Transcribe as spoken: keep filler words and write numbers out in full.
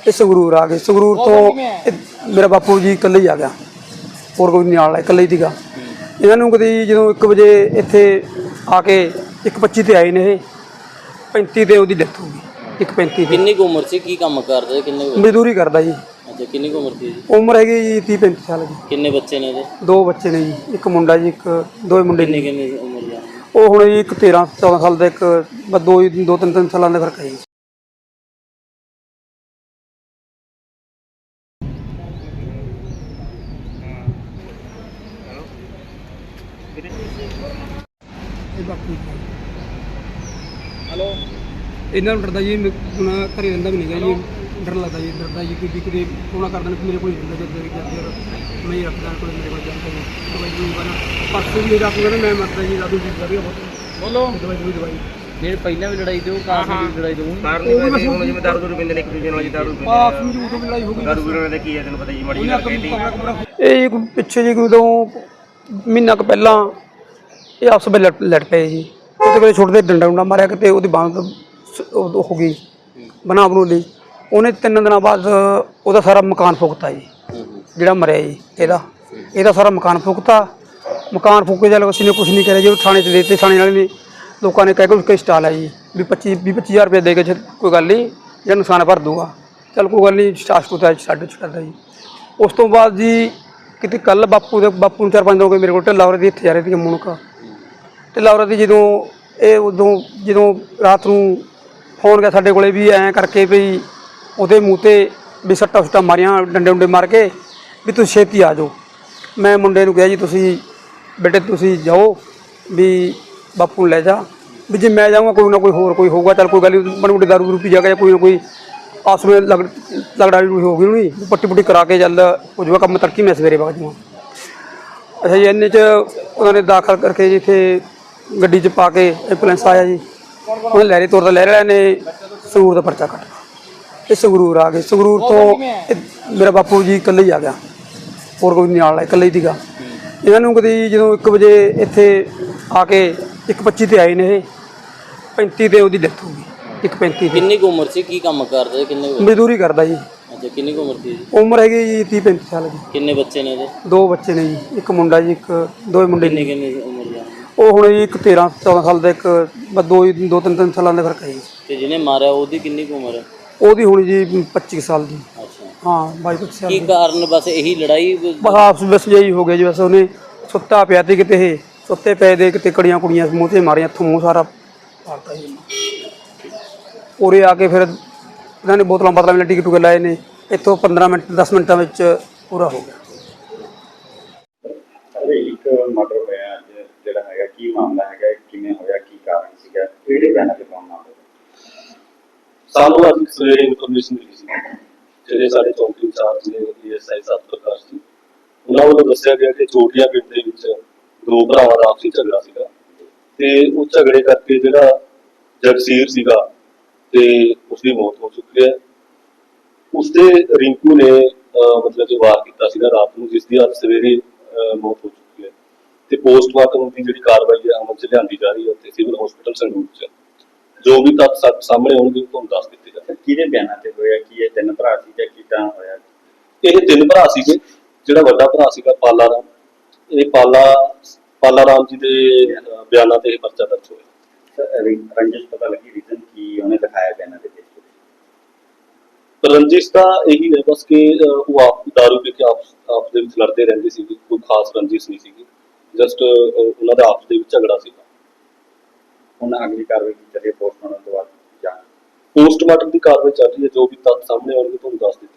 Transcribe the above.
ਇਹ ਸੰਗਰੂਰ ਆ ਗਏ। ਸੰਗਰੂਰ ਤੋਂ ਮੇਰਾ ਬਾਪੂ ਜੀ ਇਕੱਲੇ ਹੀ ਆ ਗਿਆ, ਹੋਰ ਕੋਈ ਨਹੀਂ ਨਾਲ, ਇਕੱਲੇ ਹੀ ਸੀਗਾ। ਇਹਨਾਂ ਨੂੰ ਕਦੀ ਜਦੋਂ ਇੱਕ ਵਜੇ ਇੱਥੇ ਆ ਕੇ ਇੱਕ ਪੱਚੀ ਤੇ ਆਏ ਨੇ, ਇਹ ਪੈਂਤੀ ਤੇ ਉਹਦੀ ਡੈਥ ਹੋ ਗਈ। ਇੱਕ ਪੈਂਤੀ ਕਿੰਨੀ ਕੁ ਉਮਰ ਸੀ, ਕੀ ਕੰਮ ਕਰਦਾ, ਕਿੰਨੇ ਮਜ਼ਦੂਰੀ ਕਰਦਾ ਜੀ। ਅੱਛਾ, ਕਿੰਨੀ ਕੁ ਉਮਰ ਸੀ ਜੀ? ਉਮਰ ਹੈਗੀ ਜੀ ਤੀਹ ਪੈਂਤੀ ਸਾਲ ਦੀ। ਕਿੰਨੇ ਬੱਚੇ ਨੇ ਇਹਦੇ? ਦੋ ਬੱਚੇ ਨੇ ਜੀ, ਇੱਕ ਮੁੰਡਾ ਜੀ, ਇੱਕ ਦੋ ਮੁੰਡੇ ਕਿੰਨੀ ਨੇ। ਕਿੰਨੀ ਉਮਰ ਦਾ? ਉਹ ਹੁਣ ਜੀ ਇੱਕ ਤੇਰਾਂ ਚੌਦਾਂ ਸਾਲ ਦਾ, ਇੱਕ ਬਸ ਦੋ ਦੋ ਤਿੰਨ ਤਿੰਨ ਸਾਲਾਂ ਦਾ ਫਰਕ ਹੈ ਜੀ। ਹੈਲੋ, ਇਹਨਾਂ ਨੂੰ ਡਰਦਾ ਜੀ, ਹੁਣ ਘਰੇ ਰਹਿੰਦਾ ਵੀ ਨਹੀਂ ਗਾ ਜੀ, ਡਰ ਲੱਗਦਾ ਜੀ, ਡਰਦਾ ਜੀ ਕਿ ਕਿਤੇ ਫੋਨ ਕਰ ਦੇਣ ਮੇਰੇ ਕੋਲ ਹੀ ਹੁੰਦਾ, ਜਦ ਜਾਂਦੇ ਮੈਂ ਹੀ ਰੱਖਦਾ ਕੋਲ, ਮੇਰੇ ਕੋਲ ਜਾਂਦਾ ਜੀ ਦਵਾਈ ਦੂਈ ਵਾਲਾ। ਪਰਸੋਂ ਵੀ ਡਾਕਟਰ ਕਹਿੰਦਾ ਮੈਂ ਮਰਦਾ ਜੀ, ਦਾਦੂ ਜੀ ਵਧੀਆ ਬਹੁਤ ਬੋਲੋ। ਦਵਾਈ ਦੂਈ ਦਵਾਈ ਜਿਹੜੇ ਪਹਿਲਾਂ ਵੀ ਲੜਾਈ ਦਿਓ, ਕਾਰਨ ਦੀ ਲੜਾਈ ਦਿਓ, ਕਾਰਨ ਦੀ ਹੁਣ ਜਿਵੇਂ ਦਾਰੂ ਦੂਰੂ ਪੀਂਦੇ ਨੇ, ਇੱਕ ਦੂਜੇ ਨਾਲ ਜੀ ਦਾਰੂ ਪੀਂਦੇ ਆਹ ਸਮਝੂ ਤੋਂ ਲੜਾਈ ਹੋ ਗਈ। ਦਾਰੂ ਪੀਣ ਦਾ ਕੀ ਹੈ ਤੈਨੂੰ ਪਤਾ ਜੀ, ਮਾੜੀ ਗੱਲ ਕਹਿੰਦੀ। ਇਹ ਜੀ ਕੋਈ ਪਿੱਛੇ ਜੀ ਕੋਈ ਤੋਂ ਮਹੀਨਾ ਕੁ ਪਹਿਲਾਂ ਇਹ ਆਪਸ ਵਿੱਚ ਲੜ ਲੜ ਪਏ ਜੀ। ਉਹਦੇ ਕੋਲ ਛੋਟੇ ਡੰਡਾ ਡੰਡਾ ਮਾਰਿਆ, ਕਿਤੇ ਉਹਦੀ ਬਾਂਹ ਹੋ ਗਈ ਬਣਾ ਬਣੂ ਲਈ। ਉਹਨੇ ਤਿੰਨ ਦਿਨਾਂ ਬਾਅਦ ਉਹਦਾ ਸਾਰਾ ਮਕਾਨ ਫੂਕਤਾ ਜੀ, ਜਿਹੜਾ ਮਰਿਆ ਜੀ ਇਹਦਾ ਇਹਦਾ ਸਾਰਾ ਮਕਾਨ ਫੂਕਤਾ। ਮਕਾਨ ਫੂਕੇ ਚੱਲ ਅਸੀਂ ਨੇ ਕੁਛ ਨਹੀਂ ਕਰਿਆ ਜੀ, ਉਹ ਥਾਣੇ 'ਚ ਦੇ ਦਿੱਤੇ। ਥਾਣੇ ਵਾਲੇ ਨੇ ਲੋਕਾਂ ਨੇ ਕਹਿ ਕੇ ਕੋਈ ਸਟਾਲ ਹੈ ਜੀ ਵੀ ਪੱਚੀ ਵੀਹ ਪੱਚੀ ਹਜ਼ਾਰ ਰੁਪਏ ਦੇ ਕੇ ਕੋਈ ਗੱਲ ਨਹੀਂ, ਜਿਹੜਾ ਨੁਕਸਾਨ ਭਰ ਦੂਗਾ, ਚੱਲ ਕੋਈ ਗੱਲ ਨਹੀਂ, ਸਟਾਰ ਸਟੂਤਾ ਸਾਡੇ ਛੱਡਦਾ ਜੀ। ਉਸ ਤੋਂ ਬਾਅਦ ਜੀ ਕਿਤੇ ਕੱਲ੍ਹ ਬਾਪੂ ਦੇ ਬਾਪੂ ਨੂੰ ਚਾਰ ਪੰਜ ਦਿਨ ਹੋ ਗਏ ਮੇਰੇ ਕੋਲ, ਢਿੱਲਾ ਔਰਤ ਦੀ ਇੱਥੇ ਜਾ ਰਹੀ ਸੀ ਮੁਣਕ। ਢਿੱਲਾ ਔਰਤ ਦੀ ਜਦੋਂ ਇਹ ਉਦੋਂ ਜਦੋਂ ਰਾਤ ਨੂੰ ਫੋਨ ਗਿਆ ਸਾਡੇ ਕੋਲੇ ਵੀ ਐਂ ਕਰਕੇ ਵੀ ਉਹਦੇ ਮੂੰਹ 'ਤੇ ਵੀ ਸੱਟਾਂ ਸੁੱਟਾਂ ਮਾਰੀਆਂ, ਡੰਡੇ ਡੁੰਡੇ ਮਾਰ ਕੇ ਵੀ ਤੁਸੀਂ ਛੇਤੀ ਆ ਜਾਓ। ਮੈਂ ਮੁੰਡੇ ਨੂੰ ਕਿਹਾ ਜੀ ਤੁਸੀਂ ਬੇਟੇ ਤੁਸੀਂ ਜਾਓ ਵੀ ਬਾਪੂ ਨੂੰ ਲੈ ਜਾ, ਵੀ ਜੇ ਮੈਂ ਜਾਊਂਗਾ ਕੋਈ ਨਾ ਕੋਈ ਹੋਰ ਕੋਈ ਹੋਊਗਾ, ਚੱਲ ਕੋਈ ਗੱਲ ਨਹੀਂ, ਬੜੀ ਬੜੀ ਦਾਰੂ ਦੂਰੂ ਪੀ ਜਾ ਕੇ ਕੋਈ ਨਾ ਕੋਈ ਆਸ ਵਿੱਚ ਲਗ ਲਗੜਾਈ ਹੋ ਗਈ ਉਹਨੂੰ, ਪੱਟੀ ਪੁੱਟੀ ਕਰਾ ਕੇ ਚੱਲ ਹੋ ਜਾਊਗਾ ਕੰਮ, ਤੜਕੀ ਮੈਂ ਸਵੇਰੇ ਵਗ ਜਾਊਂਗਾ। ਅੱਛਾ ਜੀ, ਇੰਨੇ 'ਚ ਉਹਨਾਂ ਨੇ ਦਾਖਲ ਕਰਕੇ ਜੀ ਇੱਥੇ ਗੱਡੀ 'ਚ ਪਾ ਕੇ ਐਂਬੂਲੈਂਸ ਆਇਆ ਜੀ। ਉਹਨੇ ਲਹਿਰੇ ਤੋਰ ਦਾ ਲਹਿਰੇ ਵਾਲਿਆਂ ਨੇ ਸੰਗਰੂਰ ਦਾ ਪਰਚਾ ਕੱਟ, ਇਹ ਸੰਗਰੂਰ ਆ ਗਏ। ਸੰਗਰੂਰ ਤੋਂ ਮੇਰਾ ਬਾਪੂ ਜੀ ਇਕੱਲੇ ਹੀ ਆ ਗਿਆ, ਹੋਰ ਕੋਈ ਨਹੀਂ ਨਾਲ, ਇਕੱਲੇ ਹੀ ਸੀਗਾ। ਇਹਨਾਂ ਨੂੰ ਕਦੀ ਜਦੋਂ ਇੱਕ ਵਜੇ ਇੱਥੇ ਆ ਕੇ ਇੱਕ ਪੱਚੀ ਤੇ ਆਏ ਨੇ, ਇਹ ਪੈਂਤੀ ਤੇ ਉਹਦੀ ਡੈਥ ਹੋ ਗਈ। ਇੱਕ ਪੈਂਤੀ ਤੇ। ਕਿੰਨੀ ਕੁ ਉਮਰ ਸੀ, ਕੀ ਕੰਮ ਕਰਦਾ, ਕਿੰਨੇ? ਮਜ਼ਦੂਰੀ ਕਰਦਾ ਜੀ। ਅੱਛਾ, ਕਿੰਨੀ ਕੁ ਉਮਰ ਸੀ? ਉਮਰ ਹੈਗੀ ਜੀ ਤੀਹ ਪੈਂਤੀ ਸਾਲ ਦੀ। ਕਿੰਨੇ ਬੱਚੇ ਨੇ ਇਹਦੇ? ਦੋ ਬੱਚੇ ਨੇ ਜੀ, ਇੱਕ ਮੁੰਡਾ ਜੀ, ਇੱਕ ਦੋ ਮੁੰਡੇ ਕਿੰਨੀ ਨੇ। ਕਿੰਨੀ ਉਮਰ ਦਾ? ਉਹ ਹੁਣ ਜੀ ਇੱਕ ਤੇਰਾਂ ਚੌਦਾਂ ਸਾਲ ਦਾ, ਇੱਕ ਬਸ ਦੋ ਦੋ ਤਿੰਨ ਤਿੰਨ ਸਾਲਾਂ ਦਾ ਫਰਕ ਹੈ ਜੀ। ਤੇ ਜਿਹਨੇ ਮਾਰਿਆ ਉਹਦੀ ਕਿੰਨੀ ਕੁ ਉਮਰ ਹੈ? ਉਹਦੀ ਹੁਣ ਜੀ ਪੱਚੀ ਸਾਲ ਦੀ। ਅੱਛਾ, ਹਾਂ ਬਾਈ ਪੱਚੀ ਸਾਲ ਕੀ ਦੀ। ਕਾਰਨ? ਬਸ ਇਹੀ ਲੜਾਈ? ਬਸ ਆਪਸ ਵਿੱਚ ਜਿਹੀ ਹੋ ਗਿਆ ਜੀ, ਬਸ ਉਹਨੇ ਸੁੱਤਾ ਪਿਆ ਤੇ ਕਿਤੇ ਇਹ ਸੁੱਤੇ ਪਏ ਦੇ ਕਿਤੇ ਕੜੀਆਂ ਕੁੜੀਆਂ ਮੂੰਹ 'ਤੇ ਮਾਰੀਆਂ, ਇੱਥੋਂ ਮੂੰਹ ਸਾਰਾ ਪਾੜਤਾ ਜੀ। ਉਰੇ ਆ ਕੇ ਫਿਰ ਇਹਨਾਂ ਨੇ ਬੋਤਲਾਂ ਬਾਤਲਾਂ ਵਿੱਚ ਟਿਕਟ ਟੁਕੇ ਲਾਏ ਨੇ, ਇੱਥੋਂ ਪੰਦਰਾਂ ਮਿੰਟ ਦਸ ਮਿੰਟਾਂ ਵਿੱਚ ਪੂਰਾ ਹੋ ਗਿਆ। ਇੱਕ ਮਰਡਰ ਹੋਇਆ ਅੱਜ, ਜਿਹੜਾ ਹੈਗਾ ਕੀ ਮਾਮਲਾ ਹੈਗਾ, ਕਿਵੇਂ ਹੋਇਆ, ਕੀ ਕਾਰਨ ਸੀਗਾ, ਕਿਹੜੇ ਬਿਆਨਾਂ ਤੇ ਕੌਣ ਨਾਮ? ਸਾਨੂੰ ਅੱਜ ਸਵੇਰੇ ਇਨਫੋਰਮੇਸ਼ਨ ਮਿਲੀ ਸੀ, ਜਿਹੜੇ ਸਾਡੇ ਚੌਂਕੀ ਇੰਚਾਰਜ ਨੇ ਡੀਐਸਆਈ ਸਤ ਪ੍ਰਕਾਸ਼ ਜੀ, ਉਹਨਾਂ ਵੱਲੋਂ ਦੱਸਿਆ ਗਿਆ ਕਿ ਚੋਟੀਆਂ ਪਿੰਡ ਦੇ ਵਿੱਚ ਦੋ ਭਰਾਵਾਂ ਦਾ ਆਪਸੀ ਝਗੜਾ ਸੀਗਾ, ਤੇ ਉਹ ਝਗੜੇ ਕਰਕੇ ਜਿਹੜਾ ਜਗਸੀਰ ਸੀਗਾ ਤੇ ਉਸਦੀ ਮੌਤ ਹੋ ਚੁੱਕੀ ਹੈ। ਉਸਦੇ ਰਿੰਕੂ ਨੇ ਮਤਲਬ ਕਿ ਵਾਰ ਕੀਤਾ ਸੀਗਾ ਰਾਤ ਨੂੰ, ਜਿਸ ਦੀ ਅੱਜ ਸਵੇਰੇ ਮੌਤ ਹੋ ਚੁੱਕੀ ਹੈ। ਤੇ ਪੋਸਟਮਾਰਟਮ ਦੀ ਜਿਹੜੀ ਕਾਰਵਾਈ ਹੈ ਅਮਲ 'ਚ ਲਿਆਂਦੀ ਜਾ ਰਹੀ ਹੈ ਉੱਥੇ ਸਿਵਲ ਹਸਪੀਟਲ ਸੰਗਰੂਰ 'ਚ। ਜੋ ਵੀ ਤੱਥ ਸਾਹਮਣੇ ਆਉਣਗੇ ਉਹ ਤੁਹਾਨੂੰ ਦੱਸ ਦਿੱਤੇ ਜਾਣਗੇ। ਕਿਹਦੇ ਬਿਆਨਾਂ ਤੇ ਹੋਇਆ, ਕੀ ਇਹ ਤਿੰਨ ਭਰਾ ਸੀ ਜਾਂ ਕਿੱਦਾਂ ਹੋਇਆ? ਇਹ ਤਿੰਨ ਭਰਾ ਸੀਗੇ। ਜਿਹੜਾ ਵੱਡਾ ਭਰਾ ਸੀਗਾ ਪਾਲਾ ਰਾਮ, ਇਹ ਪਾਲਾ ਪਾਲਾ ਰਾਮ ਜੀ ਦੇ ਬਿਆਨਾਂ ਤੇ ਇਹ ਪਰਚਾ ਦਰਜ ਹੋਇਆ। ਰੰਜਿਸ਼ ਪਤਾ ਲੱਗੀ, ਰੀਜ਼ਨ ਕੀ ਉਹਨੇ ਦਿਖਾਇਆ ਬਿਆਨਾਂ ਦੇ ਵਿੱਚ? ਰੰਜਿਸ਼ ਤਾਂ ਇਹੀ ਹੈ ਬਸ ਕਿ ਉਹ ਆਪ ਦਾਰੂ ਪੀ ਕੇ ਆਪਸ ਆਪਸ ਦੇ ਵਿੱਚ ਲੜਦੇ ਰਹਿੰਦੇ ਸੀਗੇ, ਕੋਈ ਖਾਸ ਰੰਜਿਸ਼ ਨਹੀਂ ਸੀਗੀ, ਜਸਟ ਉਹਨਾਂ ਦਾ ਆਪਸ ਦੇ ਵਿੱਚ ਝਗੜਾ ਸੀਗਾ। ਹੁਣ ਅਗਲੀ ਕਾਰਵਾਈ ਕੀ ਚੱਲੀ ਪੋਸਟਮਾਰਟਮ ਤੋਂ ਬਾਅਦ? ਜਾਂ ਪੋਸਟਮਾਰਟਮ ਦੀ ਕਾਰਵਾਈ ਚੱਲ ਰਹੀ ਹੈ, ਜੋ ਵੀ ਤੱਥ ਸਾਹਮਣੇ ਆਉਣਗੇ ਤੁਹਾਨੂੰ ਦੱਸ ਦਿੱਤੇ